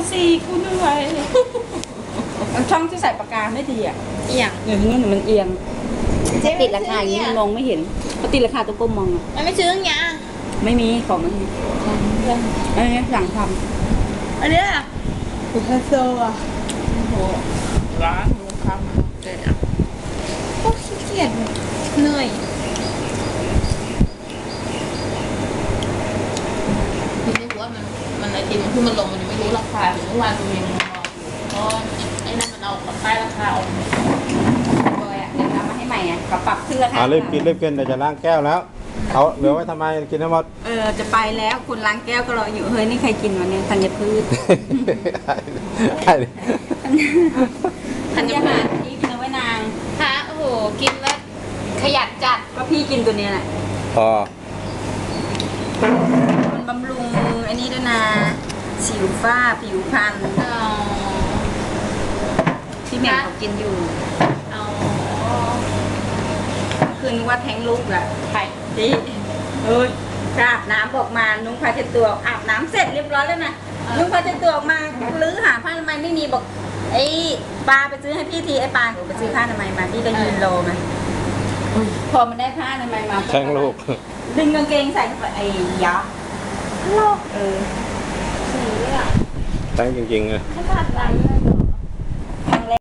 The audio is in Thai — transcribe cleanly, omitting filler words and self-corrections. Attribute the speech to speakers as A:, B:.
A: สิกูเหนื่อยมันช่องที่ใส่ปากกาไม่ดีอ่ะ
B: เอียง
A: เดี๋ยวนี้มันเอียงถ้าติดราคาอย่างนี้มันมองไม่เห็นพอติดราคาตัวก้มมองอ่ะ
B: มันไม่ซื้ออย่างเงี้ย
A: ไม่มีของมันอันนี้สั่งท
B: อันเนี้ย
A: ำคุณพระโซอ่ะ
B: โหร้านหมูคำเกิดอ่ะโอ้ขี้เกียจเหนื่อยคือไม่รู้ว่ามันไอติมที่มันลงมันยังไม่รู้ราคาถึงเมื่อวานตัวเองมองเพราะไอ้นั่นมันเอาใต้ราคาออก
A: บอยอ่ะเดี๋ยวทำมาให้ใหม่อ่ะก็ปรับขึ้นราคา
C: รีบกินเดี๋ยวจะล้างแก้วแล้วเอาเหลือไว้ทำไมกินให้หมด
A: จะไปแล้วคุณล้างแก้วก็รออยู่เฮ้ยนี่ใครกินวันนี้ธัญพืชธัญหารที่กินเอาไว้นาง
B: ฮะโอ้โหกินแล้วขยันจัด
A: ก็พี่กินตัวเนี้ยแหละ
C: พอ
A: มันบำรุงไอ้นี่ด้วยนะสิวฝ้าผิวพรรณ
B: อ๋อ
A: ที่แม่เขากินอยู่
B: อ๋อ
A: คืนว่าแท้งลูกอ่ะ
B: ไข่
A: ดิเอ้ยอาบน้ำบอกมานุ้งผ้าเช็ดตัวอาบน้ำเสร็จเรียบร้อยแล้วนะนุ้งผ้าเช็ดตัวออกมาลื้อหาผ้าอนามัยไม่มีบอกไอ้ปลาไปซื้อให้พี่ทีไอ้ปลาไปซื้อผ้าอนามัยมาพี่ก็ยืนรอมาพอมันได้ผ้าอนามัยมา
C: แข้งลูก
A: ดึงกางเกงใส่เข้าไปไอ้ยะโลก
B: สีอ่ะ
C: แข้งจริงๆเลย
B: ขนาดไหนเลยเหรอ